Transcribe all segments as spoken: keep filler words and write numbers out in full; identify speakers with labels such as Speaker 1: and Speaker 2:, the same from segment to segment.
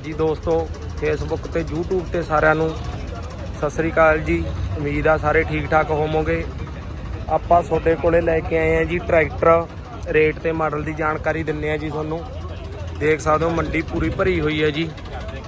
Speaker 1: जी दोस्तों फेसबुक ते यूट्यूब ते सारिਆਂ ਨੂੰ सत श्री अकाल जी। उम्मीद आ सारे ठीक ठाक होवोगे। ਆਪਾਂ ਤੁਹਾਡੇ ਕੋਲੇ ਲੈ ਕੇ ਆਏ ਆ ਜੀ ट्रैक्टर रेट ते मॉडल की जानकारी दिन्ने आ जी ਤੁਹਾਨੂੰ। देख सकते हो मंडी पूरी भरी हुई है जी।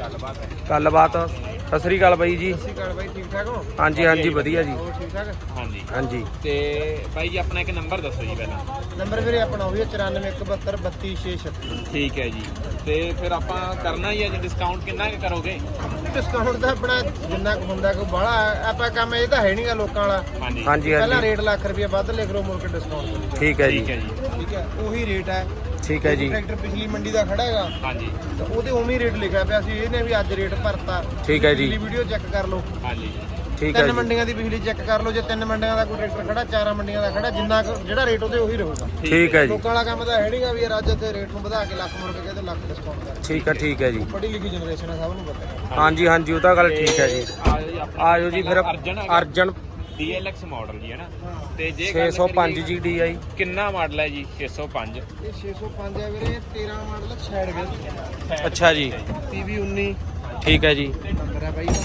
Speaker 1: गलबात सत श्री अकाल बाई जी।
Speaker 2: ठीक ठाक हो?
Speaker 1: हाँ जी हाँ जी वधिया जी।
Speaker 2: ठीक ठाक
Speaker 3: हाँ जी
Speaker 1: हाँ जी।
Speaker 3: ते भाई जी अपना एक नंबर दसो जी पहला।
Speaker 2: नंबर फिर अपना हो चौरानवे एक बहत्तर बत्ती छे छत्ती।
Speaker 3: ठीक है जी। ते फिर आप करना ही है जी डिस्काउंट कितना करोगे?
Speaker 2: डिस्काउंट तो अपना जिन्ना कुछ होंदा कोई बड़ा आप काम ये तो है नहीं गा लोकां वाला।
Speaker 3: हाँ जी
Speaker 1: हाँ जी हाँ
Speaker 2: पहला
Speaker 1: जी
Speaker 2: रेट लाख रुपया वध लिख लो मुड़ के डिस्काउंट।
Speaker 1: ठीक है जी।
Speaker 3: ठीक है जी।
Speaker 2: ठीक है वही रेट है।
Speaker 1: ठीक है जी।
Speaker 2: ट्रैक्टर पिछली मंडी का खड़ा है
Speaker 3: हाँ जी
Speaker 2: तो ਉਹਦੇ ਉਵੇਂ ਰੇਟ ਲਿਖਿਆ ਪਿਆ ਸੀ ਇਹਨੇ ਵੀ ਅੱਜ ਰੇਟ ਭਰਤਾ।
Speaker 1: ठीक है जी।
Speaker 2: ਪਿਛਲੀ ਵੀਡੀਓ ਚੈੱਕ ਕਰ ਲਓ।
Speaker 3: हाँ जी
Speaker 1: ठीक है
Speaker 2: ਤਿੰਨ
Speaker 1: जी।
Speaker 2: ਮੰਡੀਆਂ ਦੀ ਪਿਛਲੀ ਚੈੱਕ ਕਰ ਲਓ। ਜੇ ਤਿੰਨ ਮੰਡੀਆਂ ਦਾ ਕੋਈ ਟਰੈਕਟਰ ਖੜਾ ਚਾਰਾਂ ਮੰਡੀਆਂ ਦਾ ਖੜਾ ਜਿੰਨਾ ਕੁ- ਜਿਹੜਾ ਰੇਟ ਉਹਦੇ ਉਹੀ ਰਹੂਗਾ।
Speaker 1: ठीक है जी।
Speaker 2: ਲੋਕਾਂ ਵਾਲਾ ਕੰਮ ਤਾਂ ਹੈ ਨਹੀਂਗਾ ਵੀ ਯਾਰ ਅੱਜ ਇੱਥੇ ਰੇਟ ਨੂੰ ਵਧਾ ਕੇ ਲੱਖ ਮੁੜ ਕੇ ਕਹਿੰਦੇ ਲੱਖ ਡਿਸਕਾਊਂਟ ਕਰ।
Speaker 1: ठीक है ठीक है जी।
Speaker 2: ਪੜ੍ਹੀ ਲਿਖੀ ਜਨਰੇਸ਼ਨ ਹੈ ਸਭ ਨੂੰ ਪਤਾ ਹੈ।
Speaker 1: हाँ जी हाँ जी वो तो गल ठीक है जी।
Speaker 3: आ
Speaker 1: आजो जी फिर
Speaker 3: Arjan
Speaker 1: Arjan
Speaker 3: D L X model जी है ना। ते जे
Speaker 1: छे सौ पाँच जी डी आई।
Speaker 3: किन्ना मॉडल है जी? छे सौ पाँच।
Speaker 2: ਇਹ ਛੇ ਸੌ ਪੰਜ ਹੈ ਵੀਰੇ ਤੇਰਾਂ ਮਾਡਲ ਛੈਡ ਗਿਆ
Speaker 1: अच्छा जी।
Speaker 2: ਪੀਵੀ ਉੱਨੀ
Speaker 1: ठीक है जी।
Speaker 2: ਨੰਬਰ ਹੈ ਬਾਈ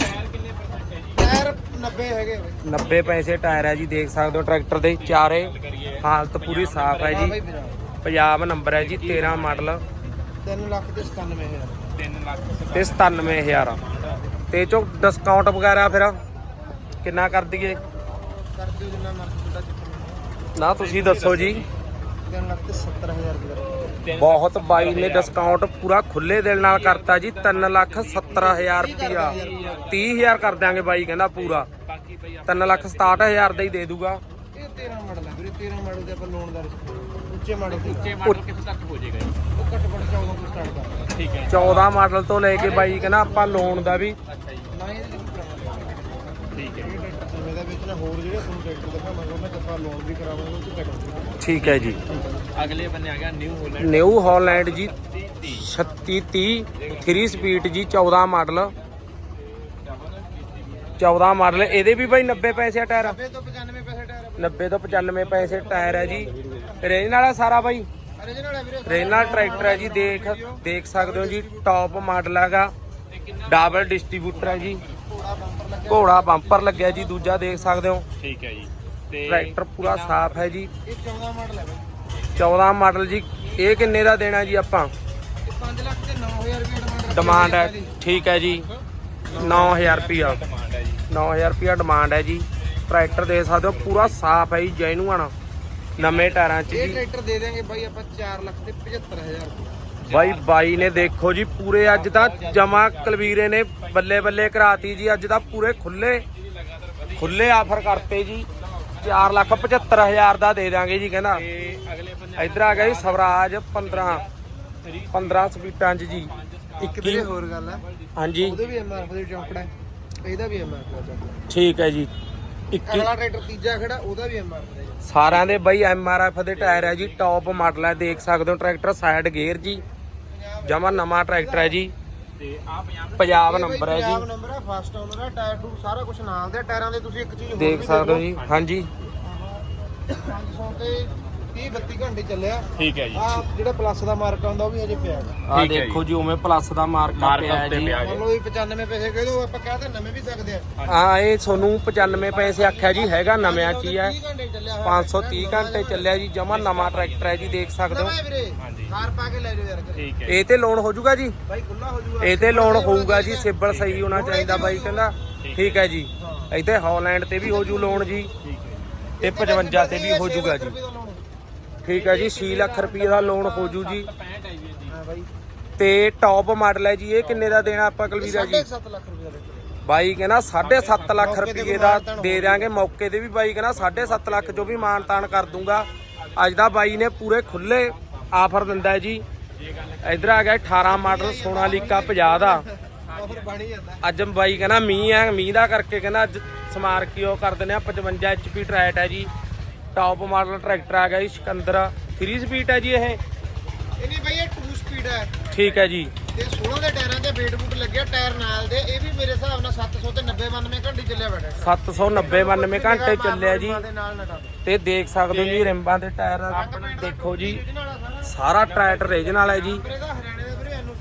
Speaker 2: ਟਾਇਰ ਨੱਬੇ ਹੈਗੇ ਬਾਈ।
Speaker 1: नब्बे पैसे टायर है जी। देख सकते हो ट्रैक्टर के चारे हालत पूरी साफ है
Speaker 2: ਹਾਂ
Speaker 1: जी।
Speaker 2: ਬਾਈ ਵੀਰਾ
Speaker 1: पंजाब नंबर है जी। तेरह मॉडल
Speaker 2: ਤਿੰਨ ਲੱਖ ਤੇ ਸਤਾਨਵੇਂ ਹਜ਼ਾਰ।
Speaker 3: तीन लाख
Speaker 1: ते सतानवे हज़ार ते चो डिस्काउंट वगैरह फिर किन्ना कर दिए?
Speaker 2: ਕਰ ਦਿਓ ਜਿੰਨਾ ਮਰਜ਼ੀ ਤੁਹਾਡਾ ਚੱਕਰ
Speaker 1: ना तुसी दसो जी।
Speaker 2: ਤਿੰਨ ਲੱਖ ਤੇ ਸੱਤਰ ਹਜ਼ਾਰ ਰੁਪਏ।
Speaker 1: बहुत बाई ने डिस्काउंट पूरा खुले दिल नाल करता जी। तीन लाख सत्तर हजार रुपया तीह हजार कर देंगे बाई कहना पूरा।
Speaker 3: बाकी भाई
Speaker 1: तीन लाख सताहठ हजार का ही दे दूगा।
Speaker 2: ਇਹ ਤੇਰਾਂ ਮਾਡਲ ਹੈ ਵੀਰੇ। ਤੇਰਾਂ ਮਾਡਲ ਦੇ ਆਪਾਂ ਲੋਨ ਦਾ ਰਿਸਕ ਉੱਚੇ ਮਾਡਲ ਦੇ
Speaker 3: ऊंचे मॉडल कितने तक हो जाएगा जी?
Speaker 2: ਉਹ ਘੱਟ ਘੱਟ ਚੌਦਾਂ ਤੋਂ ਸਟਾਰਟ ਕਰਦਾ।
Speaker 3: ठीक है
Speaker 1: चौदह मॉडल तो लेके बाई कहना आप लोन का भी
Speaker 3: अच्छा जी
Speaker 2: ਨਾ ਇਹਦੇ ਵਿੱਚ ਕਰਾਵਾਂਗੇ।
Speaker 3: ठीक है
Speaker 2: ਇਹ ਟਰੈਕਟਰ ਸਮੇਂ ਦਾ ਵਿੱਚ ਨਾ ਹੋਰ ਜਿਹੜੇ ਤੁਹਾਨੂੰ ਟਰੈਕਟਰ ਦਿਖਾਵਾਂਗੇ ਉਹਨਾਂ ਤੇ ਆਪਾਂ ਲੋਨ ਵੀ ਕਰਾਵਾਂਗੇ ਉਹ ਤੇ ਟਰੈਕਟਰ।
Speaker 1: ठीक है जी।
Speaker 3: अगले बने आ गया न्यू होलैंड
Speaker 1: न्यू हॉलैंड जी छत्ती तीह थ्री स्पीड जी। चौदह मॉडल चौदह मॉडल ਇਹਦੇ ਵੀ ਬਾਈ नब्बे पैसे टायर।
Speaker 2: ਨੱਬੇ ਤੋਂ ਪਚਾਨਵੇਂ ਪੈਸੇ ਟਾਇਰ
Speaker 1: नब्बे तो पचानवे पैसे टायर है जी। रेंज वाला सारा भाई
Speaker 2: ओरिजिनल है ਵੀਰੇ।
Speaker 1: रेंज वाला ट्रैक्टर है जी। देख देख सकते हो जी टॉप मॉडल हैगा। डबल डिस्ट्रीब्यूटर है जी।
Speaker 2: ਘੋੜਾ ਬੰਪਰ ਲੱਗਿਆ।
Speaker 1: घोड़ा बंपर लगे जी दूजा देख सकते हो।
Speaker 3: ठीक है जी। ते
Speaker 1: ट्रैक्टर पूरा साफ है जी।
Speaker 2: ਇਹ ਚੌਦਾਂ ਮਾਡਲ ਹੈ ਬਾਈ।
Speaker 1: चौदह मॉडल जी। ये किन्ने का देना जी आपां?
Speaker 2: ਇਹ ਪੰਜ ਲੱਖ ਤੇ नौ हज़ार ਰੁਪਏ
Speaker 1: डिमांड है। ठीक है जी नौ हज़ार रुपया
Speaker 3: डिमांड है जी।
Speaker 1: नौ हज़ार रुपया डिमांड है जी। ट्रैक्टर देख सकते हो पूरा साफ है जी। जेनुअन नवे टायरां च
Speaker 2: ਇਹ
Speaker 1: जी।
Speaker 2: ਟਰੈਕਟਰ ਦੇ ਦੇਾਂਗੇ ਬਾਈ ਆਪਾਂ ਚਾਰ ਲੱਖ ਤੇ ਪਝੱਤਰ ਹਜ਼ਾਰ ਰੁਪਏ।
Speaker 1: ਬਾਈ ਬਾਈ ਨੇ ਦੇਖੋ ਜੀ ਪੂਰੇ ਅੱਜ ਤਾਂ ਜਮਾ ਕਲਵੀਰੇ ਨੇ ਬੱਲੇ ਬੱਲੇ ਕਰਾਤੀ ਜੀ। ਅੱਜ ਤਾਂ ਪੂਰੇ ਖੁੱਲੇ ਖੁੱਲੇ ਆਫਰ ਕਰਤੇ ਜੀ। ਚਾਰ ਲੱਖ ਪਝੱਤਰ ਹਜ਼ਾਰ ਦਾ ਦੇ ਦਾਂਗੇ ਜੀ ਕਹਿੰਦਾ।
Speaker 3: ते अगले बने
Speaker 1: ਇੱਧਰ ਆ ਗਿਆ ਜੀ ਸਵਰਾਜ ਪੰਦਰਾਂ ਪੰਦਰਾਂ ਸਪੀਟਾਂ 'ਚ ਜੀ।
Speaker 2: ਇੱਕ ਵੀਰੇ ਹੋਰ ਗੱਲ ਹੈ
Speaker 1: ਹਾਂਜੀ
Speaker 2: ਉਹਦੇ ਵੀ ਐਮਆਰਐਫ ਦੇ ਚੌਂਕੜਾ ਹੈ ਇਹਦਾ ਵੀ ਐਮਆਰਐਫ ਦਾ ਚੌਂਕੜਾ।
Speaker 1: ਠੀਕ ਹੈ ਜੀ। ਇੱਕੀ
Speaker 2: ਅਗਲਾ ਟਰੈਕਟਰ ਤੀਜਾ ਖੜਾ ਉਹਦਾ ਵੀ ਐਮਆਰਐਫ ਦਾ।
Speaker 1: ਸਾਰਿਆਂ ਦੇ ਬਾਈ ਐਮ ਆਰ ਐਫ ਦੇ ਟਾਇਰ ਹੈ ਜੀ। ਟੌਪ ਮਾਡਲ ਹੈ ਦੇਖ ਸਕਦੇ ਹੋ। ਟਰੈਕਟਰ ਸਾਈਡ ਗੇਅਰ ਜੀ। ਜਮਾ ਨਵਾਂ ਟਰੈਕਟਰ ਹੈ ਜੀ।
Speaker 3: ते आप यहाँ
Speaker 1: ਪੰਜਾਬ ਨੰਬਰ ਹੈ
Speaker 2: ਪੰਜਾਬ
Speaker 1: ਜੀ।
Speaker 2: ਨੰਬਰ ਹੈ ਫਸਟ ਓਨਰ ਹੈ ਟਾਇਰ ਟੂ ਸਾਰਾ ਕੁਝ ਨਾਲ ਦੇ ਟਾਇਰਾਂ ਦੇ। ਤੁਸੀਂ ਇੱਕ ਚੀਜ਼ ਹੋਰ
Speaker 1: ਦੇਖ
Speaker 2: ਵੀ
Speaker 1: ਸਕਦੇ ਹੋ ਜੀ। ਹਾਂਜੀ
Speaker 2: ਪੰਜ ਸੌ ਤੇ ਤੀਹ ਬੱਤੀ ਘੰਟੇ ਚੱਲਿਆ।
Speaker 3: ठीक है जी।
Speaker 2: ਆ ਜਿਹੜਾ ਪਲੱਸ ਦਾ ਮਾਰਕ ਆਉਂਦਾ ਉਹ ਵੀ ਹਜੇ ਪਿਆ ਹੈਗਾ।
Speaker 1: ਆ
Speaker 3: ਠੀਕ ਹੈ
Speaker 1: ਦੇਖੋ ਜੀ ਉਵੇਂ ਪਲੱਸ ਦਾ ਮਾਰਕਾ
Speaker 3: ਮਾਰਕ
Speaker 1: ਪਿਆ ਹੈ
Speaker 3: ਉੱਤੇ
Speaker 1: ਜੀ।
Speaker 3: ਪਿਆ
Speaker 2: ਮੰਨ ਲਓ ਵੀ ਪਚਾਨਵੇਂ ਪੈਸੇ ਕਹਿ ਦੋ ਆਪਾਂ ਕਹਿ ਤਾਂ ਨਵੇਂ ਵੀ ਸਕਦੇ ਆ।
Speaker 1: ਹਾਂ ਇਹ ਤੁਹਾਨੂੰ ਪਚਾਨਵੇਂ ਪੈਸੇ ਆਖਿਆ ਜੀ। ਹੈਗਾ ਨਵਿਆਂ ਚ ਹੀ ਹੈ।
Speaker 2: ਤੀਹ ਘੰਟੇ ਚੱਲਿਆ ਹੋਇਆ।
Speaker 1: ਪੰਜ ਸੌ ਤੀਹ ਘੰਟੇ ਚੱਲਿਆ ਜੀ। ਜਮਾ ਨਵਾਂ ਟਰੈਕਟਰ ਹੈ ਜੀ। ਦੇਖ ਸਕਦੇ ਹੋ।
Speaker 2: ਨਵਾਂ ਹੈ ਵੀਰੇ।
Speaker 3: ਹਾਂਜੀ।
Speaker 2: ਕਾਰ ਪਾ ਕੇ ਲੈ ਜਾਓ ਯਾਰ ਘਰੇ।
Speaker 3: ठीक है
Speaker 1: ਇਹ ਤੇ ਲੋਨ ਹੋ ਜਾਊਗਾ ਜੀ।
Speaker 2: ਬਾਈ ਖੁੱਲਾ ਹੋ ਜਾਊਗਾ।
Speaker 1: ਇਹ ਤੇ ਲੋਨ ਹੋਊਗਾ ਜੀ। ਸਿਬਲ ਸਹੀ ਹੋਣਾ ਚਾਹੀਦਾ ਬਾਈ ਕਹਿੰਦਾ। ਠੀਕ ਹੈ ਜੀ। ਇੱਥੇ ਹੌਲੈਂਡ ਤੇ ਵੀ ਹੋ ਜੂ ਲੋਨ ਜੀ। ਤੇ ਪਚਵੰਜਾ ਤੇ ਵੀ ਹੋ ਜਾਊਗਾ ਜੀ। ਠੀਕ ਹੈ ਜੀ। ਛੇ ਲੱਖ ਰੁਪਏ ਦਾ ਲੋਨ ਹੋ ਜੂ ਜੀ।
Speaker 2: ਹਾਂ ਬਾਈ
Speaker 1: ਤੇ ਟੌਪ ਮਾਡਲ ਹੈ ਜੀ। ਇਹ ਕਿੰਨੇ ਦਾ ਦੇਣਾ ਆਪਾਂ ਕਲਵੀਰਾ ਜੀ?
Speaker 2: ਸੱਤ ਲੱਖ ਰੁਪਏ ਦਾ ਟਰੈਕਟਰ।
Speaker 1: ਬਾਈ ਕਹਿੰਦਾ ਸਾਢੇ ਸੱਤ ਲੱਖ ਰੁਪਏ ਦਾ ਦੇ ਦਿਆਂਗੇ। ਮੌਕੇ ਤੇ ਵੀ ਬਾਈ ਕਹਿੰਦਾ ਸਾਢੇ ਸੱਤ ਲੱਖ ਜੋ ਵੀ ਮਾਨ ਤਾਨ ਕਰ ਦੂੰਗਾ। ਅੱਜ ਦਾ ਬਾਈ ਨੇ ਪੂਰੇ ਖੁੱਲੇ ਆਫਰ ਦਿੰਦਾ ਹੈ ਜੀ। ਇਧਰ ਆ ਗਿਆ ਅਠਾਰਾਂ ਮਾਡਲ ਸੋਨਾਲੀਕਾ ਪੰਜਾਹ ਦਾ।
Speaker 2: ਆਫਰ ਬਣ ਹੀ ਜਾਂਦਾ।
Speaker 1: ਅੱਜ ਬਾਈ ਕਹਿੰਦਾ ਮੀਂਹ ਹੈ ਮੀਂਹ ਦਾ ਕਰਕੇ ਕਹਿੰਦਾ ਅੱਜ ਸਮਾਰ ਕੀ ਉਹ ਕਰ ਦਿੰਦੇ ਆ। ਪਚਵੰਜਾ ਐਚ ਪੀ ਟਰੈਟ ਹੈ ਜੀ। ਟੌਪ ਮਾਡਲ ਟਰੈਕਟਰ ਆ ਗਿਆ ਜੀ। ਸਿਕੰਦਰ ਥ੍ਰੀ ਸਪੀਡ ਹੈ ਜੀ ਇਹ।
Speaker 2: ਇਹ ਨਹੀਂ ਬਾਈ ਇਹ ਟੂ ਸਪੀਡ ਹੈ।
Speaker 1: ਠੀਕ ਹੈ ਜੀ।
Speaker 2: ਤੇ सोलह ਦੇ ਟਾਇਰਾਂ ਤੇ ਵੇਟ ਬੂਟ ਲੱਗਿਆ ਟਾਇਰ ਨਾਲ ਦੇ। ਇਹ ਵੀ ਮੇਰੇ ਹਿਸਾਬ ਨਾਲ ਸੱਤ ਸੌ ਤੇ ਨੱਬੇ ਬਾਨਵੇਂ ਘੰਟੇ ਚੱਲਿਆ ਬੈਠਾ।
Speaker 1: ਸੱਤ ਸੌ ਨੱਬੇ ਬਾਨਵੇਂ ਘੰਟੇ ਚੱਲਿਆ ਜੀ।
Speaker 2: ਦੇ ਨਾਲ ਨਾ
Speaker 1: ਤੇ ਦੇਖ ਸਕਦੇ ਹੋ ਜੀ ਰਿੰਬਾਂ ਦੇ ਟਾਇਰ ਦੇਖੋ ਜੀ। ਸਾਰਾ ਟਰੈਕਟਰ ਰੀਜਨਲ ਹੈ ਜੀ।
Speaker 2: ਇਹਦਾ ਹਰਿਆਣੇ ਦਾ ਵੀਰੇ ਐਨਓਸੀ ਮਿਲ ਜੂ।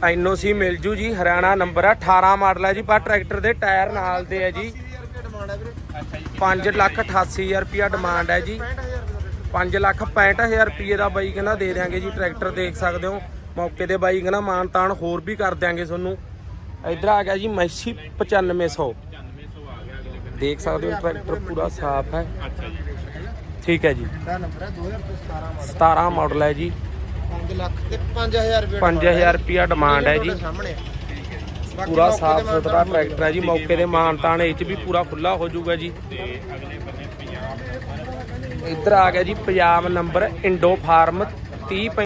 Speaker 1: ਐਨਓਸੀ ਮਿਲ ਜੂ ਜੀ। ਹਰਿਆਣਾ ਨੰਬਰ ਆ, ਅਠਾਰਾਂ ਮਾਡਲ ਹੈ ਜੀ। ਪਰ ਟਰੈਕਟਰ ਦੇ ਟਾਇਰ ਨਾਲ ਦੇ ਹੈ ਜੀ।
Speaker 2: ਡਿਮਾਂਡ ਹੈ ਵੀਰੇ
Speaker 3: ਅੱਛਾ ਜੀ
Speaker 1: ਪੰਜ ਲੱਖ ਅਠਾਸੀ ਹਜ਼ਾਰ ਰੁਪਿਆ ਡਿਮਾਂਡ ਹੈ ਜੀ।
Speaker 2: ਪੈਂਹਠ ਹਜ਼ਾਰ ਰੁਪਏ
Speaker 1: ਪੰਜ ਲੱਖ ਪੈਂਹਠ ਹਜ਼ਾਰ ਰੁਪਏ ਦਾ ਬਾਈ ਕਹਿੰਦਾ ਦੇ ਦਿਆਂਗੇ ਜੀ ਟਰੈਕਟਰ। ਦੇਖ ਸਕਦੇ ਹੋ ਮੌਕੇ ਤੇ ਬਾਈ ਕਹਿੰਦਾ ਮਾਨ ਤਾਨ ਹੋਰ ਵੀ ਕਰ ਦਿਆਂਗੇ ਤੁਹਾਨੂੰ। ਇੱਧਰ ਆ ਗਿਆ ਜੀ ਮੈਸੀ ਪਚਾਨਵੇਂ ਸੌ।
Speaker 3: ਪਚਾਨਵੇਂ ਸੌ ਆ ਗਿਆ ਅਗਲੇ ਬੰਦੇ।
Speaker 1: ਦੇਖ ਸਕਦੇ ਹੋ ਟਰੈਕਟਰ ਪੂਰਾ ਸਾਫ਼ ਹੈ।
Speaker 3: ਅੱਛਾ ਜੀ
Speaker 1: ਠੀਕ ਹੈ ਜੀ।
Speaker 2: ਦਾ ਨੰਬਰ ਹੈ ਦੋ ਹਜ਼ਾਰ ਸਤਾਰਾਂ ਮਾਡਲ।
Speaker 1: ਸਤਾਰਾਂ ਮਾਡਲ ਹੈ ਜੀ।
Speaker 2: ਪੰਜ ਲੱਖ ਤੇ ਪੰਜ ਹਜ਼ਾਰ ਰੁਪਏ
Speaker 1: ਪੰਜ ਹਜ਼ਾਰ ਰੁਪਿਆ ਡਿਮਾਂਡ ਹੈ ਜੀ।
Speaker 2: ਸਾਹਮਣੇ ਬਾਕੀ
Speaker 1: ਪੂਰਾ
Speaker 2: ਮੌਕੇ
Speaker 1: ਸਾਫ਼
Speaker 2: ਤੇ ਮਾਨ
Speaker 1: ਸੁਥਰਾ
Speaker 2: ਤਾਨ
Speaker 1: ਟਰੈਕਟਰ ਹੈ ਜੀ। ਮੌਕੇ ਦੇ ਮਾਨ ਤਾਨ ਇਹ 'ਚ ਵੀ ਪੂਰਾ ਖੁੱਲਾ ਹੋ ਜਾਊਗਾ ਜੀ।
Speaker 3: ਤੇ ਅਗਲੇ ਬੰਨੇ ਪੰਜਾਬ
Speaker 1: ਇੱਧਰ ਆ ਗਿਆ ਜੀ ਪੰਜਾਬ ਨੰਬਰ ਇੰਡੋ ਫਾਰਮ ਤੀਹ